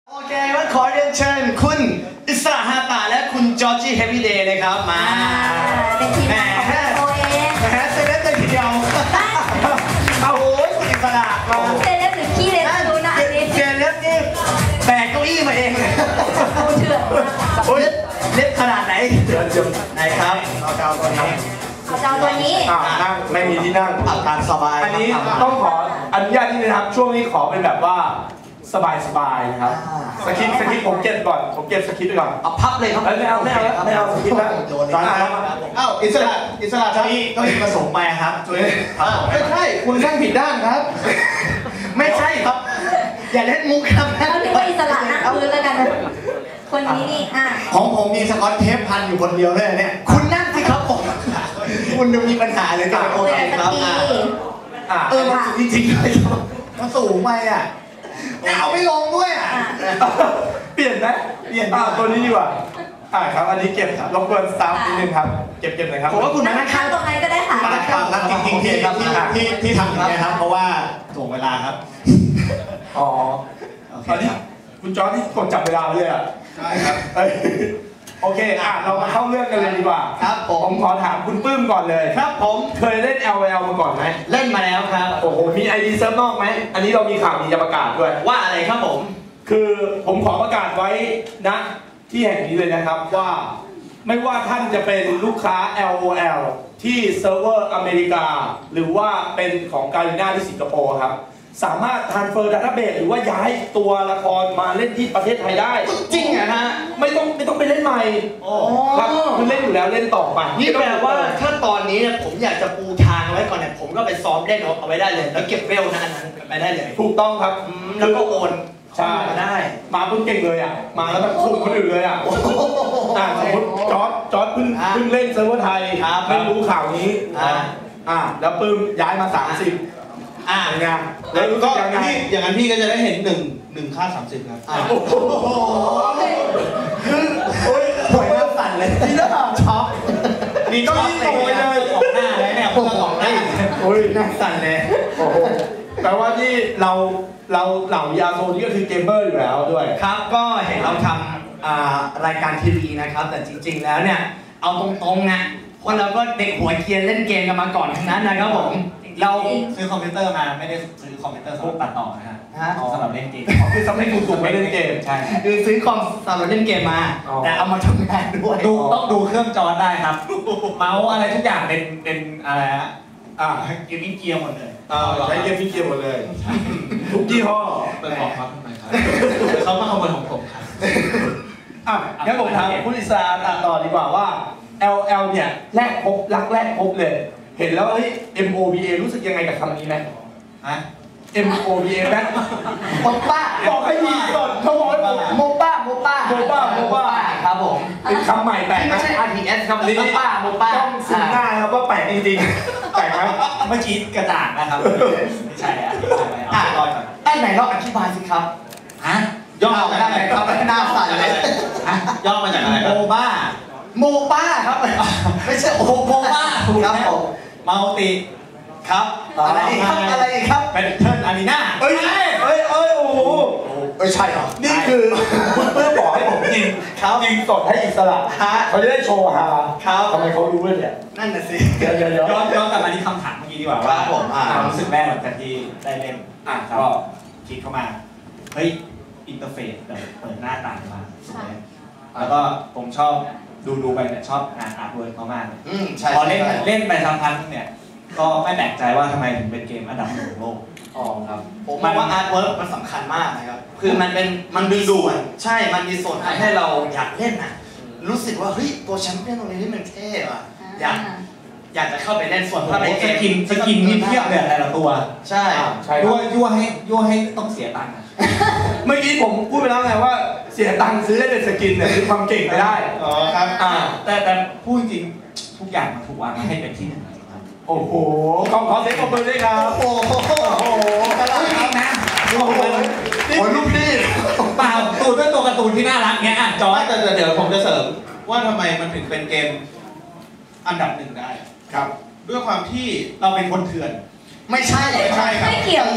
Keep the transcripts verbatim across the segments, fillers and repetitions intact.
โอเควันขอเรียนเชิญคุณอิสระฮาตาและคุณจอร์จี้เฮฟวี่เดย์เลยครับมาเป็นทีมงานของตัวเองแหมเซเลบเลยทีเดียวเอาโอ้ยคุณอิสระมาเซเลบหรือขี้เล็บดูนะอันนี้เซเลบนี่แบกเก้าอี้มาเองดูเถื่อนโอ้ยเล็บขนาดไหนเดี๋ยวเดี๋ยวไหนครับเอาเจ้าตัวนี้เอาเจ้าตัวนี้นั่งไม่มีที่นั่งอับการสบายอันนี้ต้องขออนุญาตที่นะครับช่วงนี้ขอเป็นแบบว่าสบายสบายนะครับสคริปต์สคริปต์ผมเก็บก่อนผมเก็บสคริปต์ไปก่อนเอาพับเลยครับไม่เอาไม่เอาไม่เอาสคริปต์แล้วตอนนี้อ้าวอิสระอิสระครับนี่ก็ผสมไปครับช่วยไม่ใช่คุณนั่งผิดด้านครับไม่ใช่ครับอย่าเล่นมุกครับเราถือว่าอิสระนั่งพื้นแล้วกันนะคนนี้นี่อ่ะของผมมีสกอตเทปพันอยู่คนเดียวเลยเนี่ยคุณนั่งสิครับผมคุณดูมีปัญหาเลยจ้ะโอเคครับอ่าเออมันสูงจริงๆเลยมันสูงไปอ่ะเอาไม่ลงด้วยอ่ะเปลี่ยนไหมเปลี่ยนตัวนี้ดีกว่าอ่าครับอันนี้เก็บรบกวนสตาฟนิดนึงครับเก็บเก็บหน่อยครับผมว่าคุณมานั่งข้างตรงไหนก็ได้ค่ะมาข้างครับจริงๆที่ที่ที่ทำอย่างนี้ครับเพราะว่าถ่วงเวลาครับอ๋อตอนนี้คุณจอร์จที่กดจับเวลาเลยอ่ะใช่ครับโอเคอ่ะเรามาเข้าเรื่องกันเลยดีกว่าครับผมขอถามคุณปื้มก่อนเลยครับผมเคยเล่น แอล แอล มาก่อนไหมเล่นมาแล้วครับโอ้โหมี ไอ ดี เซิร์ฟนอกไหมอันนี้เรามีข่าวดีจะประกาศด้วยว่าอะไรครับผมคือผมขอประกาศไว้ณที่แห่งนี้เลยนะครับว่าไม่ว่าท่านจะเป็นลูกค้า แอล โอ แอล ที่เซิร์ฟเวอร์อเมริกาหรือว่าเป็นของการีน่าที่สิงคโปร์ครับสามารถ transfer database หรือว่าย้ายตัวละครมาเล่นที่ประเทศไทยได้จริงอะฮะไม่ต้องไม่ต้องไปเล่นใหม่ครับคุณเล่นอยู่แล้วเล่นต่อไปนี่แปลว่าถ้าตอนนี้เนี่ยผมอยากจะปูทางไว้ก่อนเนี่ยผมก็ไปซ้อมเล่นเอาไว้ได้เลยแล้วเก็บเวลนั้นไปได้เลยถูกต้องครับแล้วก็โอนใช่มาได้มาเพิ่งเก่งเลยอ่ะมาแล้วแบบคุมคนอื่นเลยอ่ะสมมติจอร์จจอร์จเพิ่งเพิ่งเล่นเซิร์ฟเวอร์ไทยไม่รู้ข่าวนี้อ่าแล้วปื้มย้ายมาสามสิบอ่าอย่างเงี้ยแล้วก็พี่อย่างนั้นพี่ก็จะได้เห็นหนึ่งหนึ่งค่าสามสิบครับโอ้โหคือโอ้ยหัวเริ่มสั่นเลยนี่แล้วช็อกนี่ก็ยิ่งโตไปเลยออกหน้าเลยเนี่ยเพื่อออกหน้าโอ้ยน่าสั่นเลยโอ้โหแปลว่าที่เราเราเหล่ายาโซนี่ก็คือเกมเมอร์อยู่แล้วด้วยครับก็เห็นเราทำรายการทีวีนะครับแต่จริงๆแล้วเนี่ยเอาตรงๆนะคนเราก็เด็กหัวเกียร์เล่นเกมกันมาก่อนทั้งนั้นนะครับผมเราซื้อคอมพิวเตอร์มาไม่ได้ซื้อคอมพิวเตอร์สำหรับตัดต่อนะฮะสำหรับเล่นเกมคือสำหรับถูกๆไม่เล่นเกมใช่คือซื้อคอมสำหรับเล่นเกมมาแต่เอามาทำงานด้วยดูต้องดูเครื่องจอได้ครับเมาส์อะไรทุกอย่างเป็นเป็นอะไรฮะอ่าเกมมิ่งเกียร์หมดเลยอ่าใช้เกมมิ่งเกียร์หมดเลยทุกยี่ห้อเป็นของเขาทำไมครับเขามาขโมยของผมครับอ่ะงั้นผมถามคุณอิสระต่อดีกว่าว่า แอล แอล เนี่ยแรกพบรักแรกพบเลยเห็นแล้วเฮ้ย เอ็ม โอ บี เอ รู้สึกยังไงกับคำนี้ไหมฮะเอ็ม โอ บี เอ ไหมโมป้าบอกให้ดีก่อนเขาบอกโมป้าโมป้าโมป้าโมป้าครับผมเป็นคำใหม่แปลกไม่ใช่ อาร์ ที เอส ครับโมป้าโมป้าต้องสื่อหน้าครับว่าแปลกจริงๆแปลกไหมเมื่อกี้กระจ่างนะครับไม่ใช่อ่ะอ่ะรอก่อนไอ้ไหนลองอธิบายสิครับฮะย่อมาได้ไหมครับหน้าสั่นเลยย่อมาจากอะไรโมบ้าโมป้าครับไม่ใช่โอโมบ้าครับผมมัลติครับอะไรอีกครับอะไรอีกครับเป็นเทิร์นอารีนาเอ้ยเอ้ยเอ้ยโอ้โหไม่ใช่หรอนี่คือคุณเพื่อบอกให้ผมยิงยิงสดให้อิสระเขาจะได้โชว์ฮาทำไมเขารู้เนี่ยนั่นน่ะสิย้อนย้อนกลับมาที่คำถามเมื่อกี้ดีกว่าว่าความรู้สึกแรกหลังจากที่ได้เล่นอ่ะก็คิดเข้ามาเฮ้ยอินเทอร์เฟซแบบเปิดหน้าต่างมาแล้วก็ผมชอบดูดูไปเนี่ยชอบงานอาร์ตเวิร์กเขามากพอเล่นเล่นไปสักพักเนี่ยก็ไม่แปลกใจว่าทำไมถึงเป็นเกมอันดับหนึ่งของโลกอ๋อครับผมมองว่าอาร์ตเวิร์กมันสำคัญมากนะครับคือมันเป็นมันดึงดูดใช่มันมีส่วนทำให้เราอยากเล่นน่ะรู้สึกว่าเฮ้ยตัวแชมเปี้ยนตรงนี้ที่มันเท่อะอยากอยากจะเข้าไปเล่นส่วนถ้าในเกมสกินสกินนี่เทียบเลยแต่ละตัวใช่ยั่วยั่วให้ยั่วให้ต้องเสียตังค์เมื่อกี้ผมพูดไปแล้วไงว่าเสียตังค์ซื้อได้แต่สกินเนี่ยคือความเก่งไม่ได้อ๋อครับอ่าแต่แต่พูดจริงทุกอย่างมันถูกวางมาให้เป็นที่หนึ่งโอ้โหขอขอเสียงปรบมือด้วยครับโอ้โหโอ้โหกระไรนะโอ้โหโอ้ลูกนี่เปล่าตูนเป็นตัวการ์ตูนที่น่ารักเงี้ยอ่ะจอร์จแต่เดี๋ยวผมจะเสริมว่าทำไมมันถึงเป็นเกมอันดับหนึ่งได้ครับด้วยความที่เราเป็นคนเถื่อนไม่ใช่ไม่ใช่ครับไม่เกี่ยวผ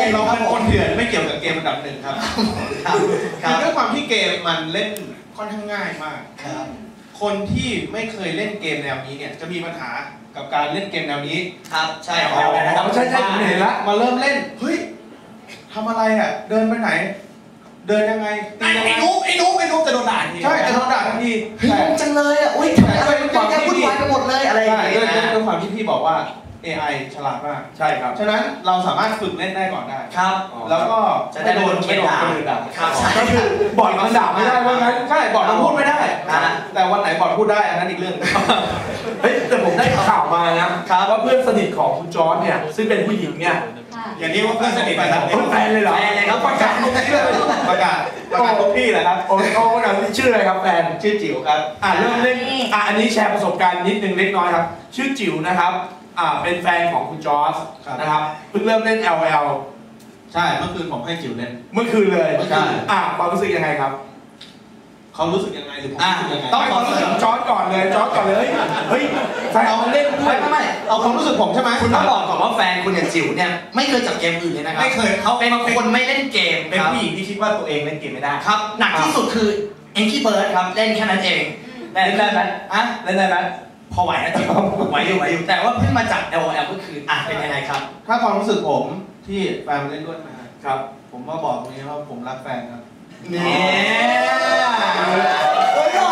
เราเป็นคนเถื่อนไม่เกี่ยวกับเกมอันดับหนึ่งครับครับคคืรัอบ ด้วยความที่เกมมันเล่นค่อนข้างง่ายมากครับคนที่ไม่เคยเล่นเกมแนวนี้เนี่ยจะมีปัญหากับการเล่นเกมแนวนี้ครับใช่แต่คพอรับนะครับใช่ใช่ผมเห็นละมาเริ่มเล่นเฮ้ยทำอะไรอ่ะเดินไปไหน เดินยังไงตีไอ้ยังไงไอ้นุ๊กไอ้นุ๊กไอ้นุ๊กจะโดนด่าทีใช่จะโดนด่าทันทีเฮ้ยงงจังเลยอ่ะอุ้ยทำไมอะไรมันเยอะแยะวุ่นวายไปหมดเลยอะไรอย่างใช่เงี้ด้วยยด้วยความที่พี่บอกว่า เอ ไอ ฉลาดมากใช่ครับฉะนั้นเราสามารถฝึกเล่นได้ก่อนได้ครับแล้วก็จะได้ไม่โดนเกลียดด่าไม่โดนคนอื่นด่าครับใช่ก็คือบอร์ดมันด่าไม่ได้เพราะงั้นใช่บอร์ดมันพูดไม่ได้อ่าแต่วันไหนบอร์ดพูดได้อันนั้นอีกเรื่องเฮ้ยแต่ผมได้ข่าวมานะครับว่าเพื่อนสนิทของคุณจอร์จเนี่ยซึ่งเป็นผู้หญิงเนี่ยค่ะอย่างนี้ว่าเพื่อนสนิทไปครับเป็นแฟนเลยเหรอแฟนเลยครับประกาศทุกที่เลยประกาศประกาศทุกที่เลยครับโอ้โหประกาศชื่ออะไรครับแฟนชื่อจิ๋วครับอ่าเริ่มเล่นอ่าอันนี้แชร์ประสบการณ์นิดนึงเล็กน้อยครับ ชื่อจิ๋วนะครับอ่าเป็นแฟนของคุณจอร์จนะครับเพิ่งเริ่มเล่น แอล แอลใช่เมื่อคืนผมให้จิ๋วเล่นเมื่อคืนเลยใช่อ่าความรู้สึกยังไงครับเขารู้สึกยังไงหรือผมอ่ะรู้สึกยังไงต้องไม่ความรู้สึกจอร์จก่อนเลยจอร์จก่อนเลยเฮ้ยแฟนเราเล่นด้วไม่ยไม่ไม่เอาความรู้สึกผมใช่ไหมคุณต้องบอกก่อนว่าแฟนคุณเนี่ยจิ๋วเนี่ยไม่เคยจับเกมอื่นเลยนะครับไม่เคยเขาเป็นคนไม่เล่นเกมเป็นครับผู้หญิงที่คิดว่าตัวเองเล่นเกมไม่ได้ครับหนักที่สุดคือเอ็นกี้เบิร์ดครับเล่นแค่นั้นเองเล่นได้ไหมอ่ะเล่นได้ไหมพอไหวนะจิ๋วไหวอยู่ไหวอยู่แต่ว่าเพิ่งมาจับ แอล แอล ก็คืออ่ะเป็นยังไงครับถ้าความรู้สึกผมที่แฟนมาเล่นด้วยมาครับผมว่าบอกตรงนี้ว่าผมรักแฟนครับเนี่ยโอ้ยหล่อ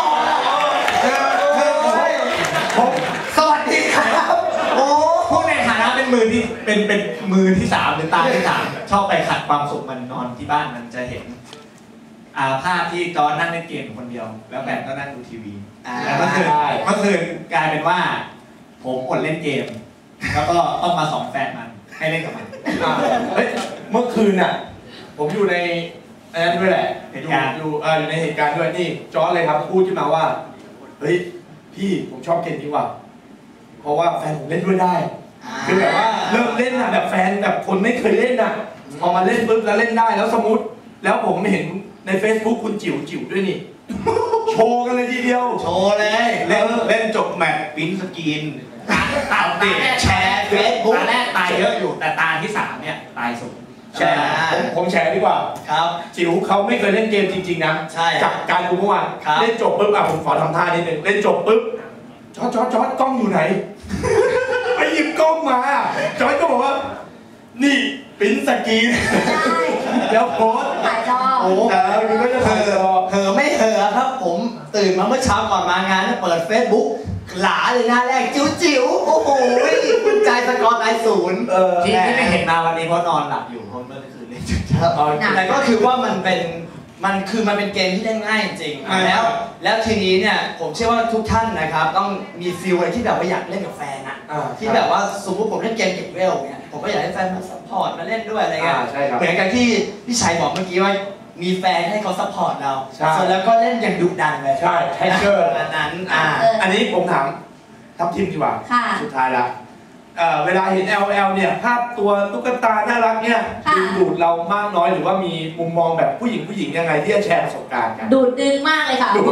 ผมสวัสดีครับโอ้พูดในฐานะเป็นมือที่เป็นเป็นมือที่สามหรือตาที่สามชอบไปขัดความสุขมันนอนที่บ้านมันจะเห็นอ่าภาพที่จอร์จนั่งเล่นเกมอยู่คนเดียว แล้วแฟนก็นั่งดูทีวีอ่าแล้วเมื่อคืนเมื่อคืนกลายเป็นว่า ผมอดเล่นเกม แล้วก็ต้องมาสอนแฟนมันให้เล่นกับมันอ่าเฮ้ยเมื่อคืนน่ะผมอยู่ในอันนั้นด้วยแหละเหตุการณ์อยู่เอ่ออยู่ในเหตุการณ์ด้วยนี่จอร์จเลยครับพูดขึ้นมาว่าเฮ้ยพี่ผมชอบเกมนี้ว่ะเพราะว่าแฟนผมเล่นด้วยได้ คือแบบว่าเริ่มเล่นอ่ะแบบแฟนแบบคนไม่เคยเล่นอ่ะพอมาเล่นปุ๊บแล้วเล่นได้แล้วสมมติ แล้วผมเห็นใน Facebook คุณจิ๋วจิ๋วด้วยนี่ โชว์กันเลยทีเดียวโชว์เลยเล่นเล่นจบแมตช์ปริ้นสกรีนตาแรกแชร์เฟซบุ๊กตาแรกตายเยอะอยู่ แต่ตาที่สามเนี่ยตายสูงแชร์ผมผมแชร์ดีกว่าครับจิ๋วเขาไม่เคยเล่นเกมจริงๆนะใช่จากการดูเมื่อวานครับเล่นจบปุ๊บอ่ะผมขอทำท่านิดนึงเล่นจบปุ๊บจอร์จจอร์จจอร์จกล้องอยู่ไหน ไปหยิบกล้องมาจอร์จก็บอกว่า นี่ปริ้นสกรีนใช่แล้วโพสต์ถ่ายจอโอ้แต่มันก็จะเหถ่ายจออะเหอะไม่เหอะครับผมตื่นมาเมื่อเช้าก่อนมางานเปิดเฟซบุ๊กหลาเลยหน้าแรกจิ๋วจิ๋วโอ้โหคุณใจสกอร์ไลน์ศูนย์เออที่ที่ไม่เห็นมาวันนี้เพราะนอนหลับอยู่เพราะเมื่อคืนเล่นจนเช้าแต่ก็คือว่ามันเป็นมันคือมันเป็นเกมที่เล่นง่ายจริงอ่าแล้ว แล้วทีนี้เนี่ยผมเชื่อว่าทุกท่านนะครับต้องมีฟีลอะไรที่แบบว่าอยากเล่นกับแฟนอะอ่าที่แบบว่าสมมติผมเล่นเกมเก็บเวลเนี่ยผมก็อยากให้แฟนมาซัพพอร์ตมาเล่นด้วยอะไรเงี้ยอ่าใช่ครับเหมือนกันที่พี่ชัยบอกเมื่อกี้ว่ามีแฟนให้เขาซัพพอร์ตเราใช่ส่วนแล้วก็เล่นอย่างดุดันเลยใช่แฮกเกอร์อันนั้นอ่าอันนี้ผมถามทัพทีมดีกว่าค่ะสุดท้ายละเอ่อเวลาเห็น แอล แอล เนี่ยภาพตัวตุ๊กตาน่ารักเนี่ยค่ะดึงดูดเรามากน้อยหรือว่ามีมุมมองแบบผู้หญิงผู้หญิงยังไงที่จะแชร์ประสบการณ์กันดูดดึงมากเลยค่ะดูด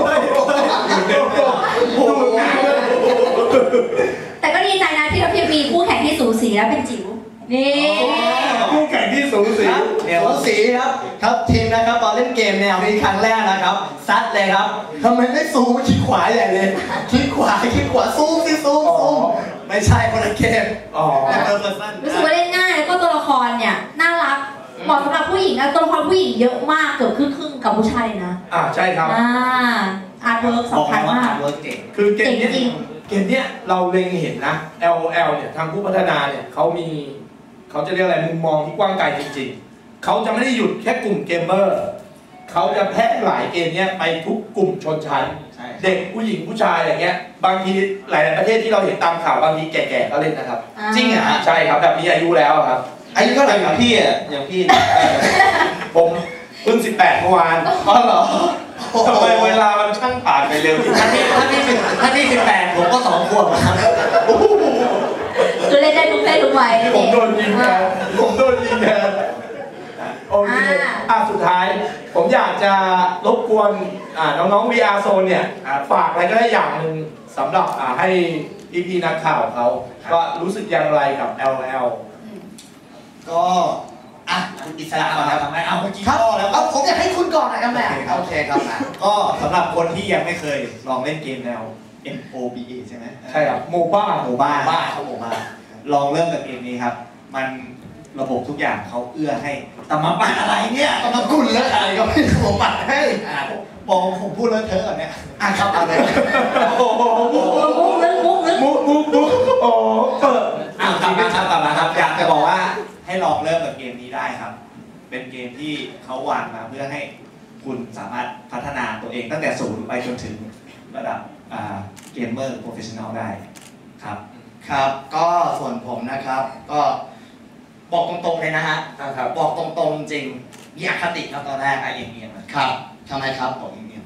ดูดหนักเลยแต่ก็ดีใจนะที่เราเพียงมีคู่แข่งที่สูสีและเป็นจิ๋ว นี่คู่แข่งที่สูสีครับสูสีครับครับทีมนะครับตอนเล่นเกมแนวนี้ครั้งแรกนะครับซัดเลยครับทำไมไม่ซูมคลิกขวาใหญ่เลยคลิกขวาคลิกขวาซูมสิซูมซูมไม่ใช่คนละเกมอ๋อแต่เออเออสั้นรู้สึกว่าเล่นง่ายแล้วก็ตัวละครเนี่ยน่ารักเหมาะสำหรับผู้หญิงนะตัวละครผู้หญิงเยอะมากเกือบครึ่งๆกับผู้ชายเลยนะอ่าใช่ครับอ่าอาร์ตเวิร์กบอกสำคัญว่ามากเวิร์กเก่งคือเกมเนี้ยจริงเกมเนี้ยเราเล็งเห็นนะ แอล แอล เนี่ยทางผู้พัฒนาเนี่ยเขามีเขาจะเรียกอะไรมุมมองที่กว้างไกลจริงๆเขาจะไม่ได้หยุดแค่กลุ่มเกมเมอร์เขาจะแพร่หลายเกมเนี้ยไปทุกกลุ่มชนชั้นใช่เด็กผู้หญิงผู้ชายอะไรเงี้ยบางทีหลายๆประเทศที่เราเห็นตามข่าวบางทีแก่ๆก็เล่นนะครับจริงเหรอฮะใช่ครับแบบมีอายุแล้วอะครับอายุเท่าไหร่อครัย่าบงพี่อ่ะอย่างพี่เนี่ยผมเพิ่งสิบแปดเมื่อวานอ๋อเหรอทำไมเวลามันช่างผ่านไปเร็วถ้าพี่ถ้าพี่สิบถ้าพี่สิบแปดผมก็สองขวบครับคือเล่นได้ทุกเพศทุกวัยผมโดนยิงแทนผมโดนยิงแทนโอเคอ่ะสุดท้าย ผมอยากจะรบกวนอ่าน้องๆ วี อาร์ Zone เนี่ยฝากอะไรก็ได้อย่างหนึ่งสำหรับอ่าให้พี่ๆนักข่าวเขาก็รู้สึกอย่างไรกับ แอล แอลก็อิสระก่อนครับทำไมเอาเมื่อกี้ครับพ่อแล้วเอาผมอยากให้คุณก่อนนะครับแม่โอเคครับนะก็สำหรับคนที่ยังไม่เคยลองเล่นเกมแนว เอ็ม โอ บี เอ ใช่ไหมใช่ครับโมบ้าโมบ้าบ้าครับผมบ้าลองเริ่มกับเกมนี้ครับ มันระบบทุกอย่างเขาเอื้อให้แต่มาปัดอะไรเนี่ยก็มากุนแล้วอะไรก็ไม่รู้ผมปัดให้อ่าบอกผมพูดเลอะเทอะก่อนเนี่ยอ่ะครับเอาเลยโอ้โหมุกลึกมุกลึกมุกมุกมุกโอ้เปิดอ่ะกลับมาครับกลับมาครับอยากจะบอกว่าให้ลองเริ่มกับเกมนี้ได้ครับ เป็นเกมที่เขาวางมาเพื่อให้คุณสามารถพัฒนาตัวเองตั้งแต่ศูนย์ไปจนถึงระดับอ่าเกมเมอร์โปรเฟชชั่นอลได้ครับครับก็ส่วนผมนะครับ ก็บอกตรงๆเลยนะฮะนะครับบอกตรงๆจริงมีอคติครับตอนแรกไอ้อะเงียบๆนะครับทำไมครับบอกอย่างนี้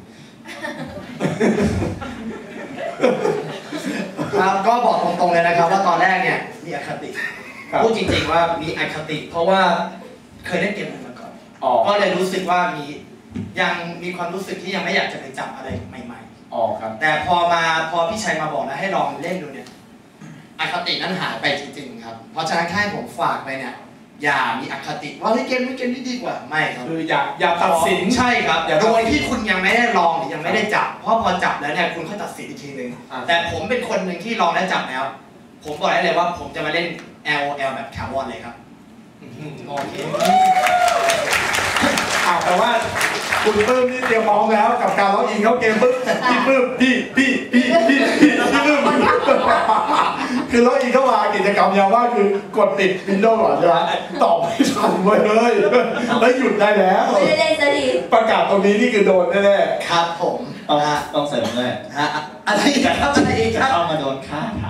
ครับก็บอกตรงๆเลยนะครับ ว่าตอนแรกเนี่ยมีอคติครับพูดจริงๆว่ามีอคติ เพราะว่าเคยเล่นเกมอื่นมาก่อนอ๋อก็เลยรู้สึกว่ามียังมีความรู้สึกที่ยังไม่อยากจะไปจับอะไรใหม่ๆอ๋อครับแต่พอมาพอพี่ชัยมาบอกนะให้ลองเล่นดูเนี่ยอคตินั้นหายไปจริงๆครับเพราะฉะนั้นแค่ผมฝากไปเนี่ยอย่ามีอคติว่าเฮ้ยเกมนี้เกมนี้ดีกว่าไม่ครับคืออย่าอย่าตัดสินใช่ครับอย่าตัโดดสินยที่คุณยังไม่ได้ลองหรือยังไม่ได้จับ เพราะพอจับแล้วเนี่ยคุณค่อยตัดสินอีกทีหนึ่งอ่าแต่ผมเป็นคนหนึ่งที่ลองและจับแล้ว ผมบอกได้เลยว่าผมจะมาเล่น แอล โอ แอล แบบถาวรเลยครับโอเคอ้าวแต่ว่าคุณปื้มนี่เตรียมพร้อมแล้วกับการล็อกอินเข้าเกมปึ๊บพี่ปื้มพี่พี่พี่พี่พี่พี่ปื้มคือล็อกอินเข้ามากิจกรรมยาวว่าคือกดติดวินโดว์ก่อนใช่ไหมตอบไม่ทันเว้ยเฮ้ยแล้วหยุดได้แล้วไม่ได้เล่นซะดีประกาศตรงนี้นี่คือโดนแน่ครับผมต้องฮะต้องเสริมด้วยฮะอะไรอีกครับอะไรอีกจะครับเข้ามาโดนฆ่าเท้า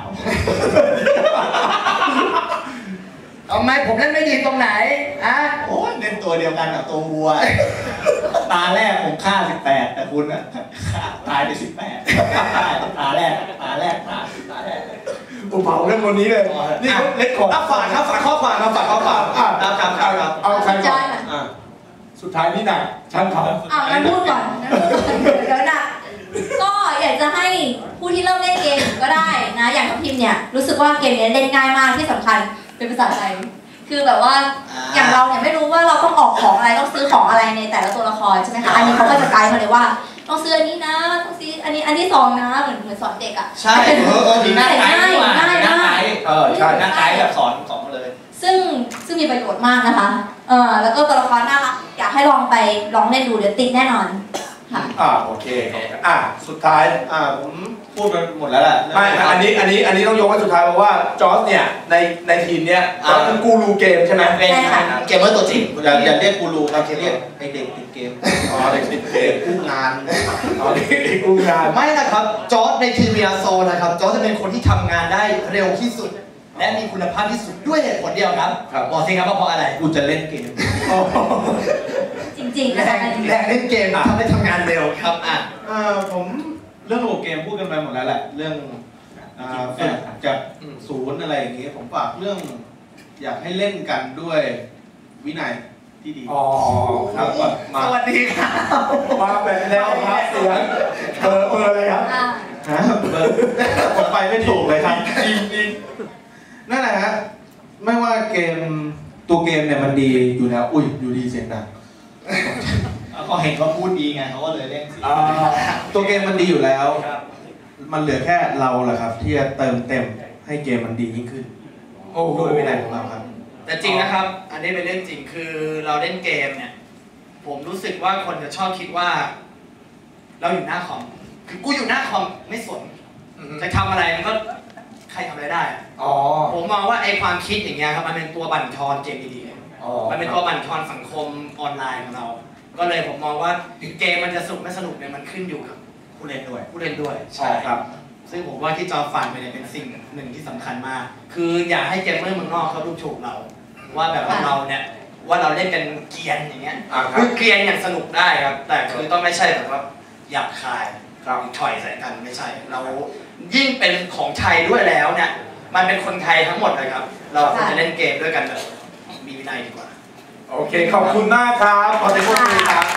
เอาไหมผมเล่นไม่ดีตรงไหนอะโอ้ยเล่นตัวเดียวกันกับตัววัว ตาแรกผมฆ่าสิบแปดแต่คุณอะฆ่าตายไปสิบแปดตาแรกตาแรกตาตาแรกๆอุเผาเรื่องคนนี้เลยนี่เขาเล็กของอ่ะฝากครับฝากข้อความครับฝากข้อความอ่ะครับครับครับครับเอาใครก่อนอ่ะสุดท้ายนี่หนักช่างเขาอ้าวงั้นพูดก่อนงั้นพูดก่อนเดี๋ยวนะก็อยากจะให้ผู้ที่เริ่มเล่นเกมก็ได้นะ อย่างทัพทิมเนี่ยรู้สึกว่าเกมนี้เล่นง่ายมากที่สำคัญเป็นภาษาไทย คือแบบว่าอย่างเราเนี่ยไม่รู้ว่าเราต้องออกของอะไรต้องซื้อของอะไรในแต่ละตัวละครใช่ไหมคะ อันนี้เขาก็จะไกด์มาเลยว่าต้องซื้ออันนี้นะต้องซื้ออันนี้อันที่สองนะเหมือนเหมือนสอนเด็กอ่ะใช่เออเออมีหน้าไกด์ง่ายดีกว่าง่ายมีหน้าไกมากด์เออใช่หน้าไกด์แบบสอนสอนมาเลยซึ่งซึ่งมีประโยชน์มากนะคะ เออแล้วก็ตัวละครน่ารักอยากให้ลองไปลองเล่นดูเดี๋ยวติดแน่นอนค่ะอ่าโอเคอ่ะสุดท้ายอ่าผมพูดไปหมดแล้วแหละไม่อันนี้อันนี้อันนี้ต้องยกไว้สุดท้ายเพราะว่าจอร์จเนี่ยในในทีมเนี้ยจอร์จเป็นกูรูเกมใช่ไหมเป็นใช่ค่ะเกมเมอร์ตัวจริงอย่าอย่าเรียกกูรูครับเรียกไอเด็กติดเกมอ๋อเด็กติดเกมกู้งานอ๋อเด็กกูงานไม่นะครับจอร์จในทีมเมียโซนะครับจอร์จจะเป็นคนที่ทำงานได้เร็วที่สุด และมีคุณภาพที่สุดด้วยเหตุผลเดียวครับบอกสิครับว่าเพราะอะไรกูจะเล่นเกมจริงๆแรนะคะงแรงเล่นเกมทำให้ทำงานเร็วครับอ่ะเอ่อผมเรื่องระบบเกมพูดกันไปหมดแล้วแหละเรื่องอ่าฝึกจากศูนย์อะไรอย่างงี้ผมฝากเรื่อง อยากให้เล่นกันด้วยวินัยที่ดีอ๋อครับมาสวัสดีครับมาแบบแนวครับเสียงเบอร์เบอร์อะไรครับอ่าฮะเบอร์ผมไปไม่ถูกเลยครับจริงจริงนั่นแหละฮะไม่ว่าเกมตัวเกมเนี่ยมันดีอยู่แล้วอุ้ยอยู่ดีเสียงดังเขาเห็นว่าพูดดีไงเขาก็เลยเล่นสิอ่าตัวเกมมันดีอยู่แล้วครับมันเหลือแค่เราแหละครับ ที่จะเติมเต็มให้เกมมันดียิ่งขึ้นโอ้โหด้วยวินัยของเราครับแต่จริงนะครับ อันนี้เป็นเรื่องจริงคือเราเล่นเกมเนี่ย ผมรู้สึกว่าคนจะชอบคิดว่า เราอยู่หน้าคอมคือกูอยู่หน้าคอมไม่สนจะทำอะไรมันก็ใครทำอะไรได้อะอ๋อผมมองว่าไอ้ความคิดอย่างเงี้ยครับมันเป็นตัวบั่นทอนเกมดีๆอ๋อมันเป็นตัวบั่นทอนสังคมออนไลน์ของเรา ก็เลยผมมองว่าเกมมันจะสนุกไม่สนุกเนี่ยมันขึ้นอยู่กับผู้เล่นด้วยผู้เล่นด้วยใช่ครับซึ่งผมว่าที่จอฟันไปเนี่ยเป็นสิ่งหนึ่งที่สำคัญมาก คืออย่าให้เกมเมอร์เมืองนอกเขาดูถูกเรา ว่าแบบว่าเราเนี่ยว่าเราเล่นกันเกรียนอย่างเงี้ยอ่าครับคือเกรียนอย่างสนุกได้ครับ แต่คือต้องไม่ใช่แบบว่าหยาบคายครับถอยใส่กันไม่ใช่ เรายิ่งเป็นของไทยด้วยแล้วเนี่ย มันเป็นคนไทยทั้งหมดเลยครับ เราควรจะเล่นเกมด้วยกันแบบมีวินัยดีกว่าโอเคขอบคุณมากครับขอเสียงปรบมือครับ